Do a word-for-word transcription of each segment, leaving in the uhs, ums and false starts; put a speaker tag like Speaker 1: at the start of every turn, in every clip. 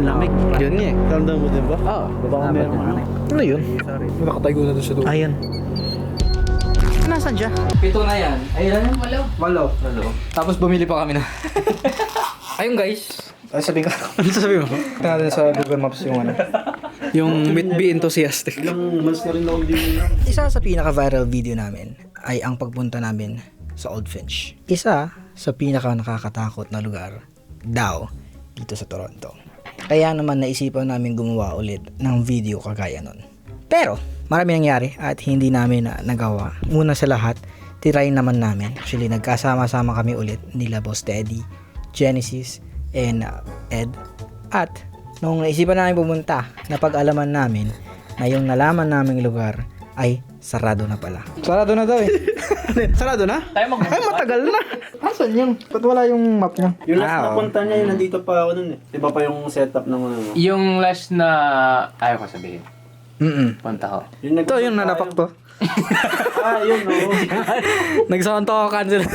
Speaker 1: lamig.
Speaker 2: Yun nga eh.
Speaker 1: Ramdam mo din ba?
Speaker 2: Oo.
Speaker 1: Baka meron ano.
Speaker 2: Ano yun?
Speaker 1: Nakatayo na doon sa dulo.
Speaker 2: Ayan. Nasaan siya?
Speaker 3: Pito na yan. Ayun yan.
Speaker 4: Walo.
Speaker 3: Walo. Walo. Tapos bumili pa kami na. Ayun guys.
Speaker 2: Ay, sabihin ka. Ano sabihin mo? Tingnan natin sa Google Maps yung ano. Yung Meet Be Enthusiastic.
Speaker 1: Ilang months na rin ako din na.
Speaker 2: Isa sa pinaka-viral video namin ay ang pagpunta namin sa Old Finch. Isa sa pinaka nakakatakot na lugar daw dito sa Toronto. Kaya naman naisipan namin gumawa ulit ng video kagaya nun. Pero marami nangyari at hindi namin na nagawa. Una sa lahat, try naman namin. Actually, nagkasama-sama kami ulit nila Boss Teddy, Genesis, and uh, Ed. At nung naisipan namin pumunta, napag-alaman namin na yung nalaman naming lugar ay sarado na pala. Sarado na daw eh. Sarado na?
Speaker 3: Tayo mag-
Speaker 2: Ay, matagal na. Asan yun? Ba't wala yung map niya?
Speaker 1: Yung last
Speaker 2: Ah,
Speaker 1: na
Speaker 2: oo.
Speaker 1: punta niya, yun, nandito pa ako nun eh. Di ba pa yung setup ng ano?
Speaker 3: Yung last na... Ayaw ko sabihin.
Speaker 2: Mm-mm.
Speaker 3: Punta ko.
Speaker 1: Yung
Speaker 2: Ito yung nanapak to.
Speaker 1: Ah, yun oo.
Speaker 2: Nagsontokan sila.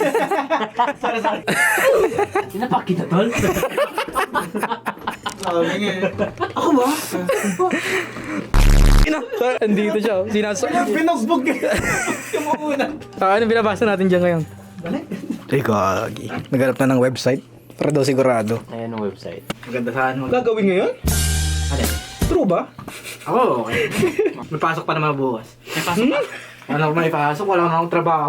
Speaker 3: Sinapak kita, tol?
Speaker 1: Sabi nga eh. Ako ba?
Speaker 2: Ina, sorry, andito siya. oh. Sinaso.
Speaker 1: Pinagbog eh. Yung una.
Speaker 2: Ah, ano binabasa natin dyan ngayon? Ay, gagi. Naghanap na ng website. Para daw sigurado.
Speaker 3: Ayan ang website.
Speaker 2: Maganda saan mo.
Speaker 1: Gagawin ngayon?
Speaker 3: Ano?
Speaker 2: True ba?
Speaker 3: Ako, okay.
Speaker 2: May pasok pa naman bukas. May pasok pa? Wala akong may pasok. Wala akong trabaho.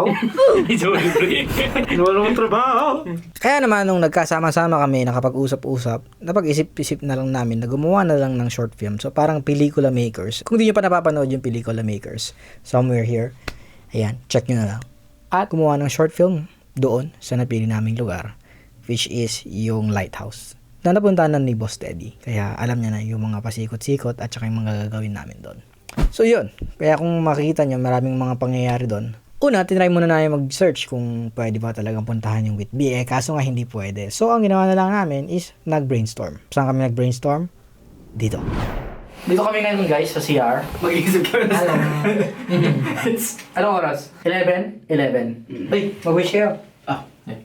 Speaker 2: Wala akong trabaho. Kaya naman nung nagkasama-sama kami, nakapag-usap-usap, napag-isip-isip na lang namin na gumawa na lang ng short film. So parang pelikula makers. Kung di nyo pa napapanood yung pelikula makers, somewhere here, ayan, check nyo na lang. At gumawa ng short film doon sa napili naming lugar, which is yung lighthouse. Na napuntahan na ni Boss Teddy. Kaya alam niya na yung mga pasikot-sikot at saka yung mga gagawin namin doon. So yun. Kaya kung makikita nyo, maraming mga pangyayari doon. Una, tinry muna namin mag-search kung pwede ba talagang puntahan yung Whitby. Eh, kaso nga hindi pwede. So ang ginawa na lang namin is nag-brainstorm. Saan kami nag-brainstorm? Dito. Dito kami ngayon guys sa C R.
Speaker 3: Mag-iisip kami na sa...
Speaker 2: Anong oras? eleven? eleven. Ay, mag-wish kayo.
Speaker 1: Ah.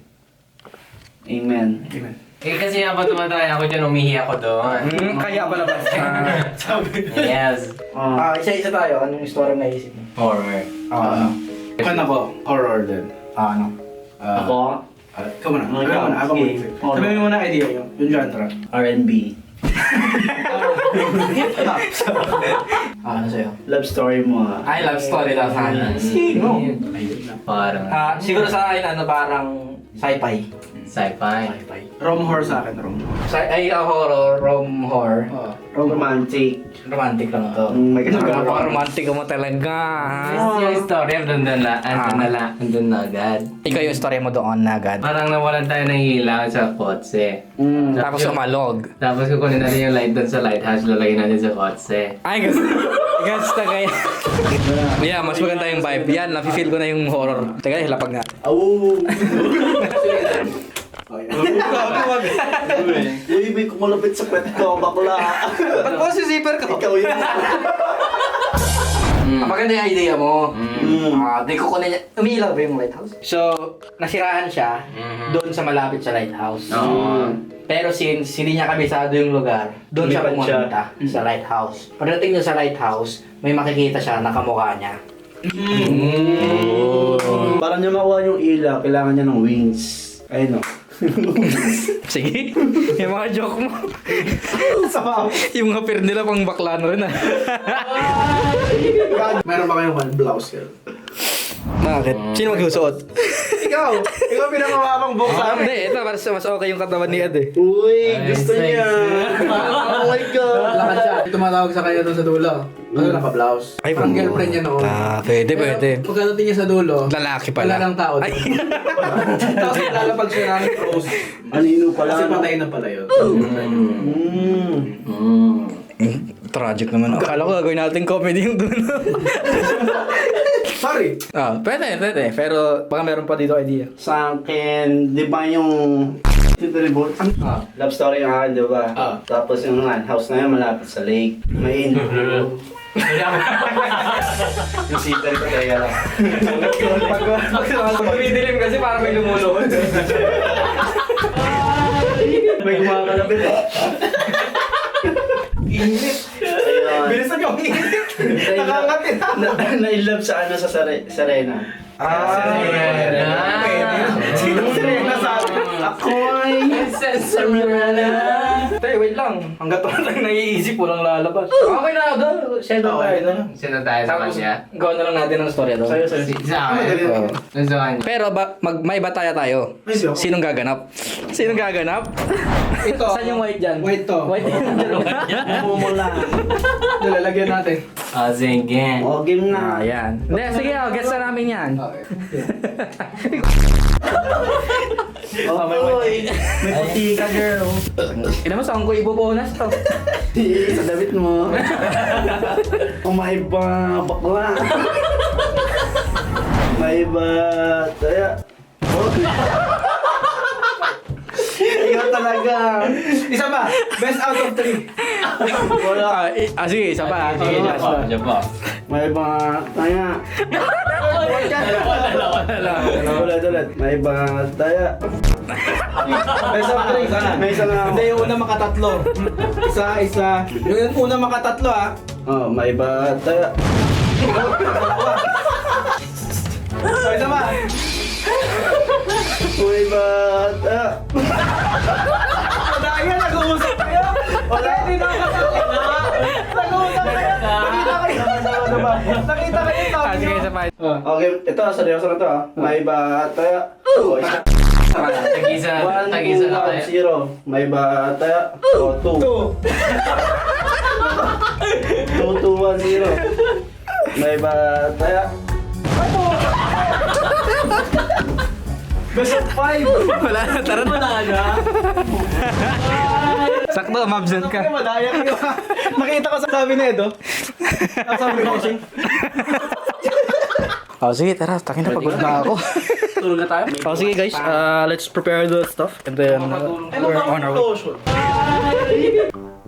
Speaker 1: Amen.
Speaker 2: Amen.
Speaker 3: Eh kasi habang tumataya ako dyan, umihi ako doon.
Speaker 2: Hmm, kaya pala ba?
Speaker 3: Yes.
Speaker 2: Ah, isa-isa tayo. Anong story na isip mo?
Speaker 3: Horror.
Speaker 2: Ah,
Speaker 1: Kan ako, horror din.
Speaker 2: ah, ano?
Speaker 1: Ah,
Speaker 4: Ako,
Speaker 1: ah, ikaw muna.
Speaker 4: Oh,
Speaker 1: Ikaw muna. Ako
Speaker 4: sige.
Speaker 1: muna.
Speaker 4: Horror.
Speaker 1: Sabihin mo muna idea yung, yung genre.
Speaker 4: R and B.
Speaker 2: Ah, ano sa'yo?
Speaker 4: Love story mo ah.
Speaker 3: I love story daw sa akin.
Speaker 2: Sino?
Speaker 3: Parang
Speaker 2: Ah, siguro sa akin, ano, parang sci-fi.
Speaker 3: sci-fi.
Speaker 2: Sci-fi.
Speaker 1: Rom horror sa akin, rom horror.
Speaker 2: Sci- ay, uh, horror, rom, horror.
Speaker 1: Oh.
Speaker 4: Romantic.
Speaker 2: Romantic lang to.
Speaker 4: Mm, may kasama.
Speaker 2: Napaka-romantic mo talaga.
Speaker 3: Yung- Yung story, andun na la, andun na la, andun na agad.
Speaker 2: Ikaw yung story mo doon na agad.
Speaker 3: Parang nawalan tayo ng ilaw sa kotse.
Speaker 4: Mm.
Speaker 2: Tapos umalog.
Speaker 3: Tapos kukunin natin yung light doon sa lighthouse, lalagay natin sa kotse.
Speaker 2: Ay, gusto. Gusto kaya. Yeah, mas maganda yung vibe. Yan, nafe-feel ko na yung horror. Teka, hilapag nga.
Speaker 4: Awu. Uy, may kumalapit sa kwet ko, bakla.
Speaker 2: Ba't mo si zipper ko?
Speaker 4: Ikaw yun.
Speaker 2: Ah, maganda yung idea mo.
Speaker 4: Mm.
Speaker 2: Ah, di ko kunin niya. Umiilaw ba yung lighthouse? So, nasiraan siya doon sa malapit sa lighthouse.
Speaker 3: Oo.
Speaker 2: Pero since hindi niya kabisado yung lugar, doon siya
Speaker 4: Lumipat siya.
Speaker 2: pumunta sa lighthouse. Pagdating niya sa lighthouse, may makikita siya na kamukha niya.
Speaker 4: Mm. Para niya makuha yung ilaw, kailangan niya ng wings. Ayun o.
Speaker 2: Sige, yung mga joke mo. Yung mga pair nila pang baklano rin ah.
Speaker 1: Meron ba kayong one blouse girl?
Speaker 2: Bakit? Sino magsusuot?
Speaker 1: Ikaw! Ikaw pinamamamang book sa amin.
Speaker 2: Hindi, ito mas, mas okay yung katawan ni Ed eh.
Speaker 4: Uy,
Speaker 3: Ay,
Speaker 4: gusto
Speaker 3: sexy.
Speaker 4: niya. Oh my God.
Speaker 1: Lakad siya. Tumatawag sa kanya doon sa dulo. Ano naka-blouse?
Speaker 2: Ay,
Speaker 1: Parang girlfriend niya noon.
Speaker 2: Ah, pwede, pwede.
Speaker 1: Pagkadating niya sa dulo,
Speaker 2: Lalaki
Speaker 1: wala
Speaker 2: pala.
Speaker 1: lang tao doon. Tapos lalapag siya namin close.
Speaker 4: Anino pala.
Speaker 1: Kasi
Speaker 4: no?
Speaker 1: patay na pala yun.
Speaker 4: Mm.
Speaker 3: Mm.
Speaker 2: Mm, tragic naman. Akala ko gagawin natin comedy yung dulo.
Speaker 1: Sorry.
Speaker 2: Ah, pwede, pwede. Pero baka meron pa dito idea.
Speaker 4: Sa akin, di ba yung... Ito reboot?
Speaker 1: Ah.
Speaker 4: Love story yung akin, di ba?
Speaker 1: Ah.
Speaker 4: Tapos yung nga, house na yun malapit sa lake. May in. Yung seater ko kaya lang.
Speaker 2: Pag tumidilim kasi parang may lumulunod.
Speaker 4: May kumakalapit eh.
Speaker 1: Init.
Speaker 4: Ayun.
Speaker 1: Bilisan yung init. Nakangati na.
Speaker 4: Na, na-inlove sa ano sa Sare, Serena.
Speaker 1: Ah,
Speaker 3: Serena.
Speaker 1: Pwede. Sino Serena sa akin?
Speaker 4: Ako ay
Speaker 3: Serena. Tay, wait lang. Hanggat wala tayong naiisip, walang lalabas. Okay na, doon. Send out tayo doon.
Speaker 5: Sino tayo sa
Speaker 3: Tapos,
Speaker 5: kanya?
Speaker 3: gawa na lang natin ng storya doon.
Speaker 4: Sa'yo, sa'yo.
Speaker 5: Si- Sa akin?
Speaker 3: Oo.
Speaker 5: Doon sa kanya.
Speaker 3: Pero ba, mag, may bataya tayo.
Speaker 1: May siyo.
Speaker 3: Sinong gaganap? Sinong gaganap?
Speaker 1: Ito.
Speaker 3: Saan yung white dyan?
Speaker 1: White to.
Speaker 3: White yan.
Speaker 4: Mumula.
Speaker 1: Lalagyan natin.
Speaker 5: Ah, sige.
Speaker 4: O, game
Speaker 3: Ah,
Speaker 4: na.
Speaker 3: yan. Hindi, sige, oh, guess na namin yan.
Speaker 4: Oh, may, may puti ka, girl.
Speaker 3: Ina mo, saan ko ibubunas to?
Speaker 4: Sa damit mo. Kumain pa, bakla. May ba, taya. Oh. Ikaw talaga.
Speaker 1: Isa pa. Best out of three.
Speaker 3: Ah,
Speaker 4: Wala.
Speaker 3: eh, ah sige, isa pa. ah. Sige, last one.
Speaker 5: Diyan po.
Speaker 4: May ba, taya. Ulit, ulit. May ba, taya.
Speaker 1: Best of three.
Speaker 4: May isa na ako.
Speaker 1: Hindi, yung una makatatlo. Isa, isa. Yung una makatatlo ah.
Speaker 4: Oh, may ba, taya.
Speaker 1: So, isa pa.
Speaker 4: May ba, taya.
Speaker 1: Madaya, nag-uusap kayo. Wala, hindi na makatatlo. Nag-uusap kayo. Nakita kayo. Nakita kayo.
Speaker 3: Ah,
Speaker 1: Sabi
Speaker 3: sige,
Speaker 1: nyo.
Speaker 3: isa pa.
Speaker 4: Okay, ito, seryoso na to ah. May ba, taya. Oh, isa.
Speaker 5: Tag-isa,
Speaker 4: One,
Speaker 5: tag-isa
Speaker 4: two,
Speaker 5: na
Speaker 4: one,
Speaker 5: kayo.
Speaker 4: zero. May ba, taya. Oh, two.
Speaker 1: Two.
Speaker 4: Two, two, one, zero. May ba, taya.
Speaker 1: Best of five.
Speaker 3: Wala na, tara na. Sakto, mabsent ka.
Speaker 1: Sabi madaya kayo. Nakita ko sa sabi ni Edo. Sabi ko kasi.
Speaker 3: Oh, sige, tara. Takin na, pagod na ako.
Speaker 4: Tulog na tayo.
Speaker 3: Oh, sige guys, uh, let's prepare the stuff and then uh, we're on our way.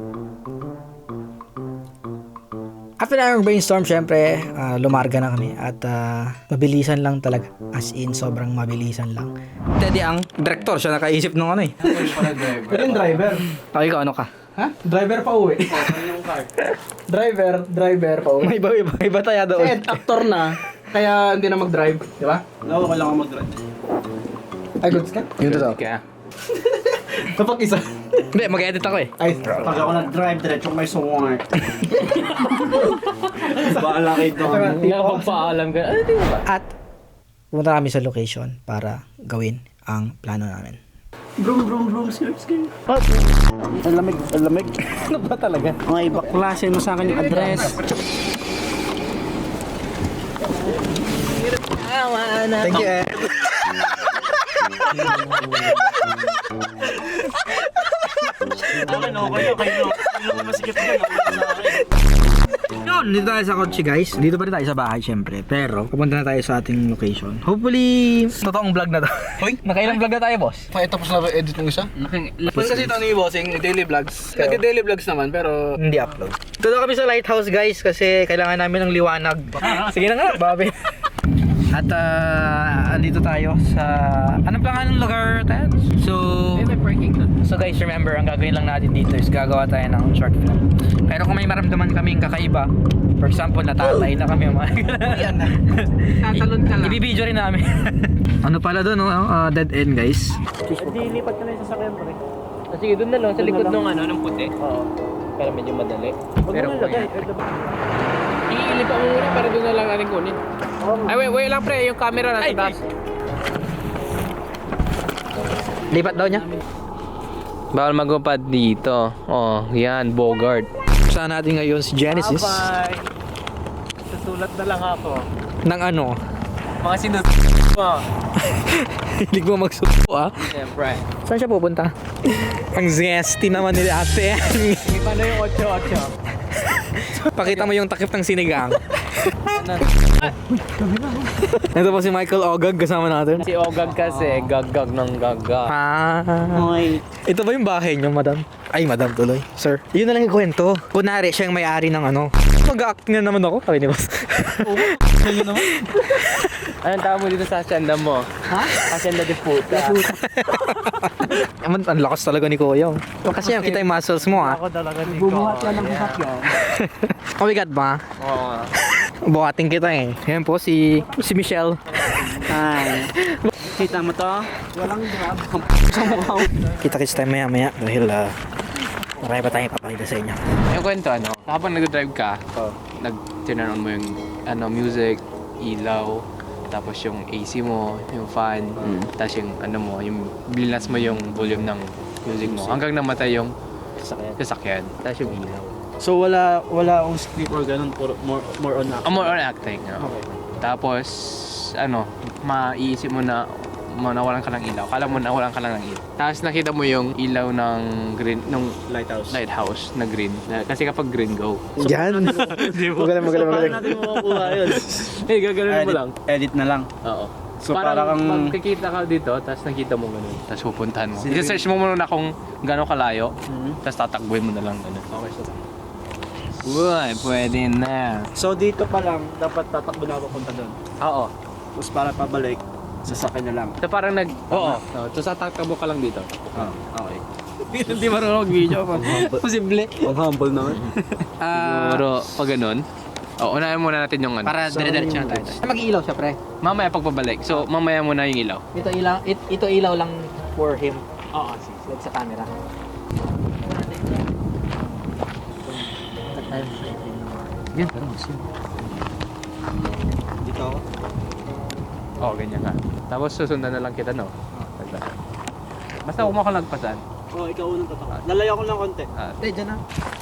Speaker 3: After na yung brainstorm, syempre, uh, lumarga na kami at uh, mabilisan lang talaga. As in, sobrang mabilisan lang. Teddy ang director, siya nakaisip nung ano eh.
Speaker 1: Pero yung driver.
Speaker 3: Okay ka, ano ka?
Speaker 1: Ha? Driver pa uwi. Driver, driver pa uwi.
Speaker 3: May iba, iba, iba tayo doon.
Speaker 1: Ed, actor na. Kaya hindi na mag-drive. Di ba?
Speaker 4: No, wala akong mag-drive.
Speaker 1: Ay, goods ka?
Speaker 3: Yung totoo.
Speaker 1: Kapag isa.
Speaker 3: Hindi, mag-edit ako eh.
Speaker 1: Ay,
Speaker 4: Pag ako nag-drive, diretso may sungwar. Baala kayo doon.
Speaker 5: Nakapagpaalam ka. Ano di ba?
Speaker 2: At pumunta kami sa location para gawin ang plano namin.
Speaker 4: Brum, brum, brum, sir, sir. Ang lamig, ang lamig.
Speaker 1: ano ba talaga?
Speaker 4: Mga iba klase mo sa akin yung address.
Speaker 1: Thank you, Ed.
Speaker 2: Yun, dito tayo sa kotse guys. Dito pa rin tayo sa bahay syempre. Pero, pupunta na tayo sa ating location. Hopefully, totoong vlog na to. Hoy, nakailang vlog na tayo, boss?
Speaker 1: Pakita tapos na ba edit ng isa? Pan kasi ito ni Bossing, daily vlogs. Nag-daily vlogs naman, pero...
Speaker 2: Hindi upload. Dito kami sa lighthouse guys kasi kailangan namin ng liwanag. Sige na nga, Bobby. At uh, andito tayo sa... Anong pangalan ng lugar tayo? So... So guys, remember, ang gagawin lang natin dito is gagawa tayo ng short film. Pero kung may maramdaman kaming kakaiba, for example, natatay na kami, mga
Speaker 1: Yan na. Tatalon ka lang.
Speaker 2: ibibidyo rin namin. Ano pala doon, no? Uh, dead end guys.
Speaker 5: Sige, doon na lang. Sa likod nung ano, nung puti. Oo. Para medyo madali. Pero kuya. Iilipa mo muna para doon na lang natin kunin. Ay, wait, wait lang pre. Yung camera nasa taas.
Speaker 2: Lipat daw niya.
Speaker 5: Bawal magupad dito. Oh, yan. Bogart.
Speaker 2: Saan natin ngayon si Genesis?
Speaker 5: Susulat na lang ako.
Speaker 2: Ng ano?
Speaker 5: Mga sinus mo.
Speaker 2: Hindi ko magsupo ah.
Speaker 5: Siyempre.
Speaker 2: Saan siya pupunta? Ang zesty naman ni ate.
Speaker 5: Paano yung ocho ocho?
Speaker 2: Pakita mo yung takip ng sinigang. Ito po si Michael Ogag kasama natin.
Speaker 5: Si Ogag kasi, gaggag ng gaggag.
Speaker 2: Ah. Ito ba yung bahay niyo, madam? Ay, madam tuloy. Sir. Yun na lang yung kwento. Kunwari, siya yung may-ari ng ano. Mag-act na naman ako. Sabi ni boss.
Speaker 5: Anong tawag mo dito sa asyenda mo? Ha? Asyenda de puta.
Speaker 2: Ang, ang lakas talaga ni Kuya. Kasi yung kita yung muscles mo ah.
Speaker 1: Ako talaga ni Bubuhat yan ng sasakyan.
Speaker 2: Oh, bigat ba?
Speaker 5: Oo.
Speaker 2: Buhating kita eh. Yan po si si Michelle.
Speaker 1: Hi. Kita mo to? Walang grab.
Speaker 2: Kita-kits tayo maya maya dahil uh, marami pa tayong papakita sa inyo.
Speaker 5: Yung kwento ano, habang nag-drive ka, nag-turn on mo yung ano, music, ilaw, tapos yung A C mo, yung fan, tapos yung ano mo, yung blinas mo yung volume ng music mo hanggang namatay yung
Speaker 1: Sasakyan.
Speaker 5: sasakyan, tapos yung ilaw.
Speaker 1: So wala wala akong script or ganun, puro- more more on
Speaker 5: Ah, more on acting. no?
Speaker 1: Okay.
Speaker 5: Tapos, ano, maiisip mo na mo nawalan ka ng ilaw. Kala mo nawalan ka lang ng ilaw. Tapos nakita mo yung ilaw ng green, ng
Speaker 1: Lighthouse.
Speaker 5: lighthouse na green. Na- Kasi kapag green, go.
Speaker 2: Yan. Magaling, magaling, magaling.
Speaker 1: Paano natin makukuha yun?
Speaker 5: Eh, gagawin mo
Speaker 1: edit,
Speaker 5: lang.
Speaker 1: edit na lang.
Speaker 5: Oo.
Speaker 1: So
Speaker 5: Parang
Speaker 1: para kang
Speaker 5: magkikita ka dito, tapos nakita mo ganun. Tapos pupuntahan mo. I-search mo muna kung gano'ng kalayo, tapos tatakbuhin mo na lang ganun.
Speaker 1: Okay, so
Speaker 5: Uy, pwede na.
Speaker 1: So dito pa lang dapat tatakbo na ako punta doon.
Speaker 5: Oo.
Speaker 1: Tapos para pabalik, sasakyan na lang.
Speaker 5: So parang nag... Oo. Oh, tapos tatakbo ka lang dito.
Speaker 1: Ah, okay.
Speaker 5: Hindi marunong video pa. Posible.
Speaker 1: Ang humble naman.
Speaker 5: Siguro, pag ganun, oh, unahin muna natin yung ano.
Speaker 2: Para dire-diretso na tayo. Mag-ilaw siya, pre.
Speaker 5: Mamaya pagpabalik. So, mamaya muna yung ilaw.
Speaker 2: Ito ilaw, it, ito ilaw lang for him. Oo, like sa camera. Yan, pero mas yun.
Speaker 1: Dito ako.
Speaker 5: Oo, oh, ganyan ka. Tapos susundan na lang kita, no? Basta. Basta huwag mo ka lagpasan.
Speaker 1: Oh, ikaw unang tatakbo. Lalayo ko lang konti.
Speaker 5: Ah,
Speaker 2: Hindi, dyan na.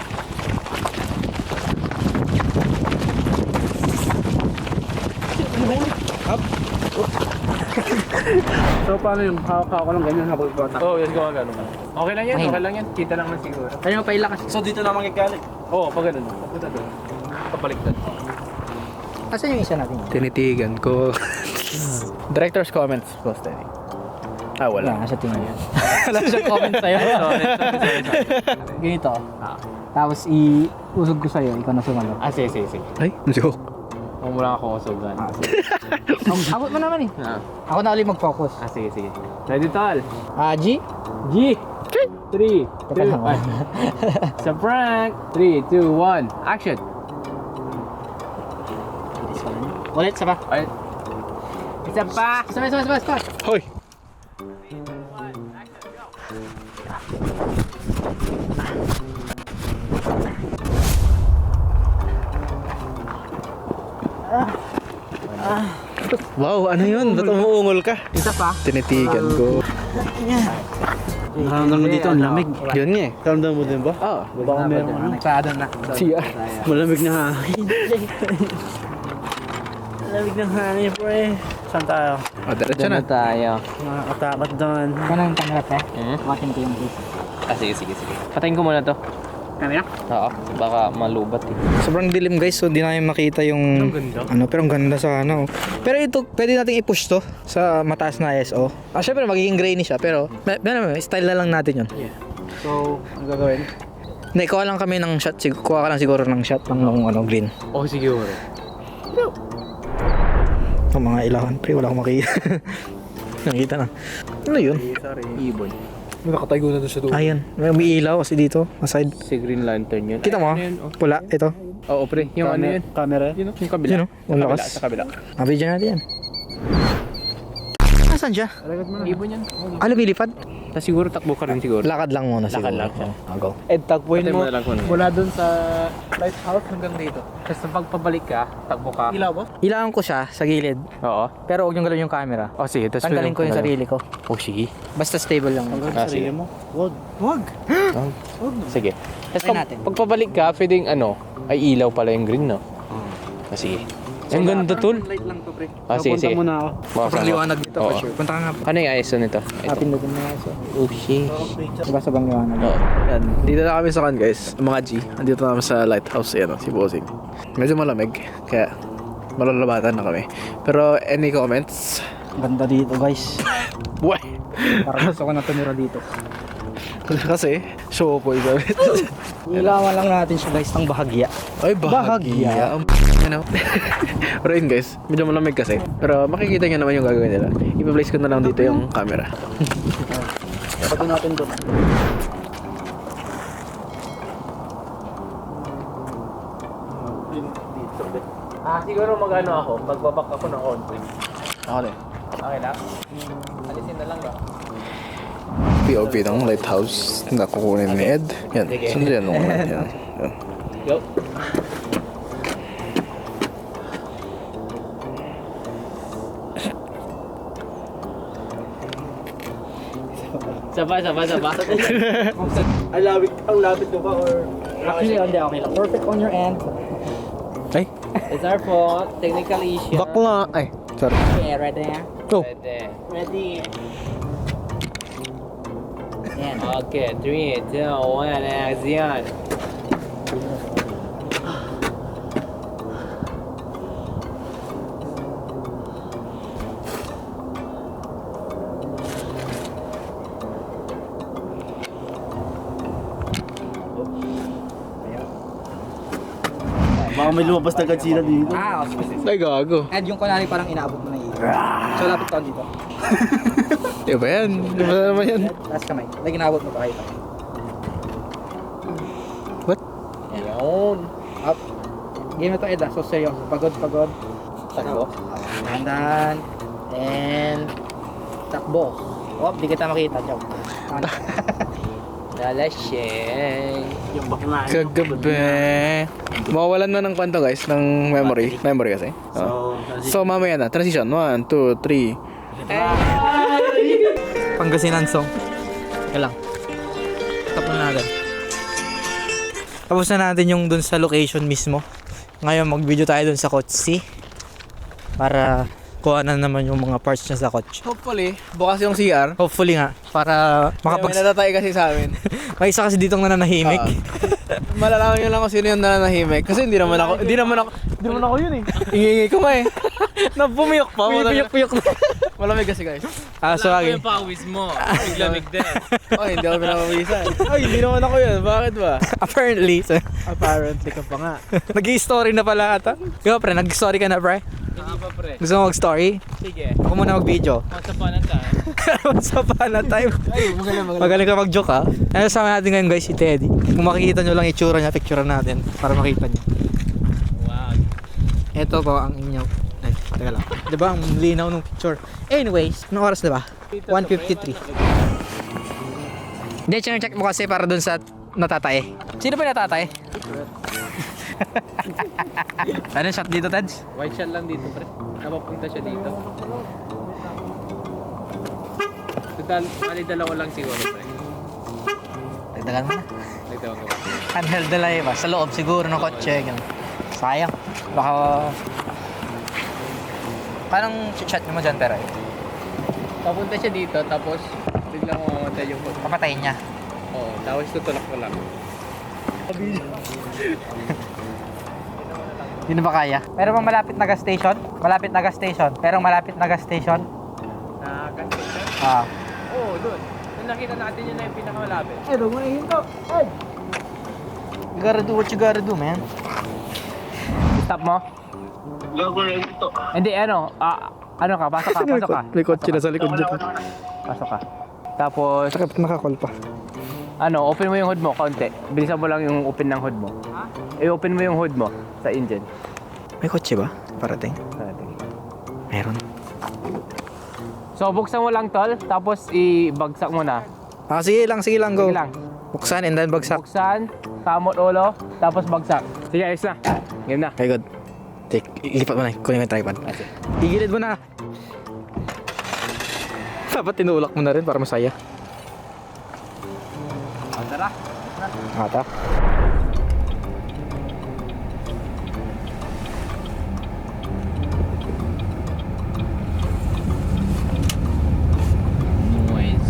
Speaker 1: So paano yung hawak-hawak ko lang ganyan habang ipatatak?
Speaker 5: Oo, oh, yes, gawa ganun. Okay lang yan, okay lang yan. Kita lang man siguro.
Speaker 2: Kaya mo pailakas.
Speaker 1: So dito na magagalit.
Speaker 5: Oo, oh, pag ganun. Papunta doon. Kapaliktad.
Speaker 2: Kasi yung isa natin.
Speaker 5: Tinitigan ko. Director's comments, boss Danny. Ah,
Speaker 2: Wala nga sa tingin yan.
Speaker 5: Wala siyang comments sa'yo. Sorry, sorry, sorry.
Speaker 2: Ganito. Tapos i-usog ko sa'yo, ikaw na sumunod.
Speaker 5: Ah, sige, sige, sige.
Speaker 2: Ay, joke.
Speaker 5: Huwag mo lang ako usugan.
Speaker 2: Ah, sige. Abot mo naman eh.
Speaker 5: Ah,
Speaker 2: Ako na ulit mag-focus.
Speaker 5: ah, sige, sige. Ready, tol?
Speaker 2: Ah, G?
Speaker 5: G! three,
Speaker 2: Teka
Speaker 5: two,
Speaker 2: lang.
Speaker 5: one. Sa prank! three, two, one, action!
Speaker 2: Ulit, isa pa.
Speaker 5: Ay. Isa pa!
Speaker 2: Isa pa, isa pa, isa pa, isa pa.
Speaker 5: Hoy!
Speaker 2: Wow, ano yun? Ba't umuungol ka?
Speaker 1: Isa pa.
Speaker 2: Tinitigan ko.
Speaker 1: Naramdaman mo dito ang lamig.
Speaker 2: Yun nga eh.
Speaker 1: Naramdaman mo din ba?
Speaker 2: Oo.
Speaker 1: Baka meron ano.
Speaker 2: Nagsada na.
Speaker 1: C R. Malamig na hangin. Malamig na hangin, pre. Saan tayo?
Speaker 2: O, diretso na.
Speaker 5: tayo.
Speaker 1: Nakakatakot doon.
Speaker 2: Ikaw na yung camera, pre.
Speaker 5: Hmm?
Speaker 2: Wakin ko yung face.
Speaker 5: Ah, sige, sige, sige. Patayin ko muna to.
Speaker 2: Camera?
Speaker 5: Oo, baka malubat eh.
Speaker 2: Sobrang dilim guys, so di namin makita yung
Speaker 5: ganda.
Speaker 2: ano, pero ang ganda sana oh. Pero ito, pwede nating i-push to sa mataas na I S O. Ah, syempre magiging grainy siya, pero may, may, style na lang natin yun.
Speaker 1: So, ang gagawin?
Speaker 2: Hindi, kuha lang kami ng shot, sig- kuha ka lang siguro ng shot ng ng, ano, green.
Speaker 5: Oh, siguro.
Speaker 2: Ang mga ilawan, pre, wala akong makita. Nakita na. Ano yun?
Speaker 1: Sorry.
Speaker 5: Ibon.
Speaker 1: Nakatago na doon sa doon.
Speaker 2: Ayan, may may ilaw kasi dito, aside.
Speaker 5: Si Green Lantern yun.
Speaker 2: Kita mo?
Speaker 5: Ay, ano yun? Oh.
Speaker 2: Pula, ito.
Speaker 5: Oo, pre. Yung ano yun?
Speaker 1: Camera?
Speaker 5: Yun, oh, yung kabila.
Speaker 2: Yun, oh. Ang
Speaker 5: Sa kabila,
Speaker 2: lakas.
Speaker 5: sa kabila.
Speaker 2: Mabidyo natin yan. Nasaan siya?
Speaker 5: Ibon yan.
Speaker 2: Ah, lumilipad?
Speaker 5: Tapos siguro takbo ka rin siguro.
Speaker 2: Lakad lang muna siguro.
Speaker 5: Lakad lang siya.
Speaker 2: Oh, go.
Speaker 1: Ed, tagpuin
Speaker 5: Patay
Speaker 1: mo.
Speaker 5: mo na lang kung ano.
Speaker 1: Mula doon sa lighthouse hanggang dito.
Speaker 5: Tapos pag pabalik ka, takbo ka.
Speaker 1: Ilaw ba?
Speaker 2: Ilangan ko siya sa gilid,
Speaker 5: Oo.
Speaker 2: pero huwag yung galawin yung camera.
Speaker 5: Oh, sige. Tapos
Speaker 2: Tanggalin ko yung sarili ko.
Speaker 5: Oh, sige.
Speaker 2: Basta stable lang.
Speaker 5: Ah, sige.
Speaker 1: mo? Wag. Wag.
Speaker 5: Sige. Tapos
Speaker 2: Try
Speaker 5: pag,
Speaker 2: natin.
Speaker 5: pag pabalik ka, pwedeng ano, ay ilaw pala yung green, no? Ah, sige. Ang ganda, tol.
Speaker 1: Light lang to, pre.
Speaker 5: Ah, sige, sige.
Speaker 1: muna ako.
Speaker 2: Sobrang liwanag dito
Speaker 5: Oo.
Speaker 2: for sure. Punta ka nga.
Speaker 5: Ano yung I S O nito? Ito.
Speaker 2: Hapin na din na so.
Speaker 5: Oh, shit.
Speaker 2: Diba sobrang liwanag?
Speaker 5: Oo.
Speaker 6: Yan, dito na kami sa kan guys, mga G. Andito na kami sa lighthouse, yan, si Bossing. Medyo malamig, kaya malalabatan na kami. Pero any comments?
Speaker 2: Ganda dito guys.
Speaker 6: Buhay!
Speaker 2: Parang gusto ko na tumira dito.
Speaker 6: Kasi, show po yung gamit.
Speaker 2: Ilawan lang natin siya guys ng bahagya.
Speaker 6: Ay, bahagya. Ang you know. Pero yun guys, medyo malamig kasi. Pero makikita nyo naman yung gagawin nila. Ipa-place ko na lang dito yung camera.
Speaker 2: Lagyan natin doon.
Speaker 5: Ah, siguro mag-ano ako, magbabak ako ng konti.
Speaker 6: Ako din.
Speaker 5: Okay lang? Alisin na lang ba?
Speaker 6: P O V ng lighthouse na kukunin ni Ed. Yan, sundan mo na. Yan. Yan.
Speaker 5: Go. Saba, saba, saba.
Speaker 1: Ang labit, ang labit mo ba or...
Speaker 2: Actually, hindi okay lang. Perfect on your end.
Speaker 6: Ay,
Speaker 5: It's our fault. Technical issue.
Speaker 6: bakla. Ay, sorry.
Speaker 2: Okay, ready na?
Speaker 6: Go.
Speaker 5: Pwede.
Speaker 1: Ready.
Speaker 2: Yan.
Speaker 5: Okay, three, two, one, action.
Speaker 4: Baka may lumabas na katsina dito.
Speaker 2: Ah, okay.
Speaker 6: Ay, gago.
Speaker 2: Ed, yung kunwari parang inaabot mo na yun. So, lapit ka dito.
Speaker 6: Di ba yan? Di ba naman yan?
Speaker 2: Tapos kamay. Like, inaabot mo pa kayo.
Speaker 6: What?
Speaker 5: Yun.
Speaker 2: Up. Game na to, Ed, ah. So, seryoso. Pagod, pagod. Takbo. Dahan-dahan. And... Takbo. Oh, di kita makita. Joke.
Speaker 5: Dalasing.
Speaker 1: Yung bakla.
Speaker 6: Kagabi. Mawawalan na ng kwento guys, ng memory. Memory kasi. Oh. So, mamaya na. Transition. One, two, three.
Speaker 2: Pangasinan song. Teka lang. Tapos na natin. Tapos na natin yung dun sa location mismo. Ngayon mag-video tayo dun sa Kotse. Para kuha na naman yung mga parts niya sa kotse.
Speaker 6: Hopefully, bukas yung C R.
Speaker 2: Hopefully nga. Para
Speaker 6: Makapag...
Speaker 2: makapag...
Speaker 6: May natatay kasi sa amin.
Speaker 2: May isa kasi ditong nananahimik.
Speaker 6: Malalaman nyo lang kung sino yung nananahimik. Kasi hindi naman ako, hindi naman ako, hindi naman ako yun eh. Ingingi ko nga eh. Napumiyok pa.
Speaker 2: Puyok-puyok na.
Speaker 6: Malamig kasi guys.
Speaker 2: Ah, so lagi.
Speaker 5: Yung pawis mo. Biglamig din.
Speaker 6: Oh, hindi ako pinapawisan. Ay, hindi naman ako yun. Bakit ba?
Speaker 2: Apparently. So,
Speaker 6: Apparently ka pa nga.
Speaker 2: nag-i-story na pala ata. Ikaw pre, nag-story ka na pre?
Speaker 5: Hindi pa pre.
Speaker 2: Gusto mo mag-story?
Speaker 5: Sige.
Speaker 2: Ako muna mag-video.
Speaker 5: Once upon a time.
Speaker 2: Sa pa na time.
Speaker 6: Ay, magaling, magaling.
Speaker 2: Magaling ka mag-joke ha. Ano sama natin ngayon guys si Teddy. Kung makikita nyo lang itsura niya, picture natin para makita nyo.
Speaker 5: Wow.
Speaker 2: Ito po ang inyo. Ay, teka lang. Diba ang linaw ng picture. Anyways, anong oras diba? one fifty-three. Hindi, check mo kasi para dun sa natatay. Sino ba natatay? Ano shot dito, Teds?
Speaker 5: White shot lang dito pre. Napapunta siya dito. Total, mali dalawa lang siguro pre.
Speaker 2: Dagdagan mo na.
Speaker 5: Nagtawag ko.
Speaker 2: Handheld na lang iba. Sa loob siguro ng kotse. Ganun. Sayang. Baka... Parang chat mo dyan pero eh.
Speaker 5: Papunta siya dito tapos biglang mamamatay yung phone.
Speaker 2: Papatayin niya.
Speaker 5: Oo, tapos tutulak ko lang.
Speaker 2: Hindi na ba kaya? Meron bang malapit na gas station? Malapit na gas station. Pero malapit na gas station?
Speaker 5: Na container?
Speaker 2: Ah.
Speaker 5: Oo, doon. Nung nakita natin yun na yung pinakamalapit.
Speaker 2: Eh, huwag mo na hinto. Ay! You gotta do what you gotta do, man.
Speaker 5: Stop mo?
Speaker 1: Gagawin ito.
Speaker 5: Hindi, ano, ah, ano ka, pasok ka, pasok ka.
Speaker 6: May kotse na sa likod dyan.
Speaker 5: Pasok ka. Tapos,
Speaker 6: Sakit nakakall pa.
Speaker 5: ano, open mo yung hood mo, konti. Bilisan mo lang yung open ng hood mo. I-open mo yung hood mo sa engine.
Speaker 2: May kotse ba? Parating? Meron.
Speaker 5: So, buksan mo lang tol, tapos i-bagsak mo na.
Speaker 2: Ah, sige lang, sige lang, go.
Speaker 5: Sige lang.
Speaker 2: Buksan and then bagsak.
Speaker 5: Buksan, kamot ulo, tapos bagsak. Sige, ayos na. Game na.
Speaker 2: Okay, good. Take, ilipat mo na. Kunin mo yung tripod. Igilid mo na. Dapat tinulak mo na rin para masaya.
Speaker 5: O, tara.
Speaker 2: Ata.
Speaker 5: Noise.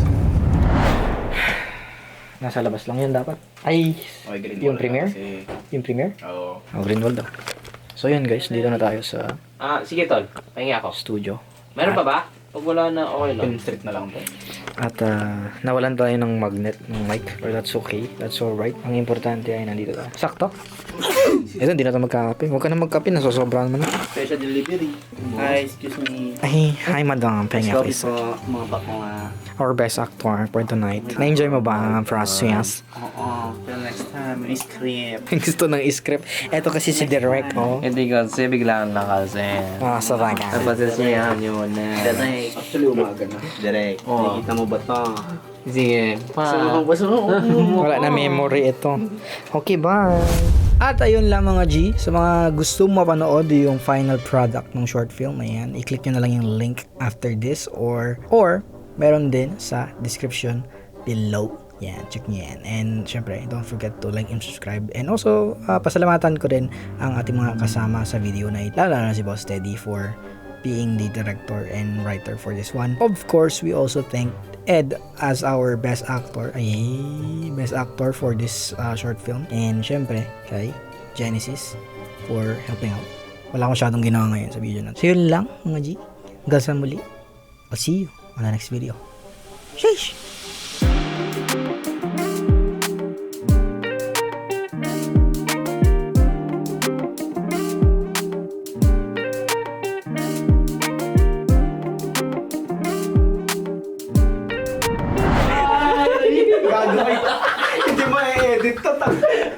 Speaker 2: Nasa labas lang yun dapat. Ay, yung premiere? Yung premiere?
Speaker 4: Oo.
Speaker 2: Oh, Greenwald daw. So yun guys, dito na tayo sa
Speaker 5: Ah, sige tol. Pahingi ako.
Speaker 2: studio.
Speaker 5: Meron pa ba? Pag wala na, okay lang.
Speaker 4: Film street na lang po.
Speaker 2: At ah, nawalan tayo ng magnet ng mic. But that's okay. That's alright. Ang importante ay nandito tayo. Sakto. Ito, hindi na tayo magkakape. Huwag ka na magkape. Nasosobrahan mo na.
Speaker 4: special delivery. Hi, excuse me.
Speaker 2: Ay, hi madam. Penga
Speaker 4: Coffee
Speaker 2: please.
Speaker 4: po, mga bako nga.
Speaker 2: Our best actor for tonight. Na-enjoy mo ba ang process?
Speaker 4: Oo, till next time, ice cream.
Speaker 2: Gusto ng script. Eto kasi si Direk, oh.
Speaker 5: Hindi kasi biglaan na kasi.
Speaker 2: Ah, sa bagay.
Speaker 5: Napasasiyahan nyo na.
Speaker 4: Direct. Actually, umaga na. Direct.
Speaker 5: Oo.
Speaker 4: Nakikita mo ba ito?
Speaker 5: Sige, pa.
Speaker 2: Wala na memory ito. Okay, bye. At ayun lang mga G, sa mga gusto mapanood yung final product ng short film, ayan, i-click nyo na lang yung link after this or or meron din sa description below. Yan, check nyo yan. And syempre, don't forget to like and subscribe. And also, uh, pasalamatan ko din ang ating mga kasama sa video na ito, lalo na si Boss Teddy for being the director and writer for this one. Of course, we also thank Ed as our best actor. Ay, best actor for this uh, short film. And syempre, kay Genesis for helping out. Wala akong masyadong ginawa ngayon sa video natin. So yun lang, mga G. Hanggang sa muli. I'll see you on the next video. Sheesh!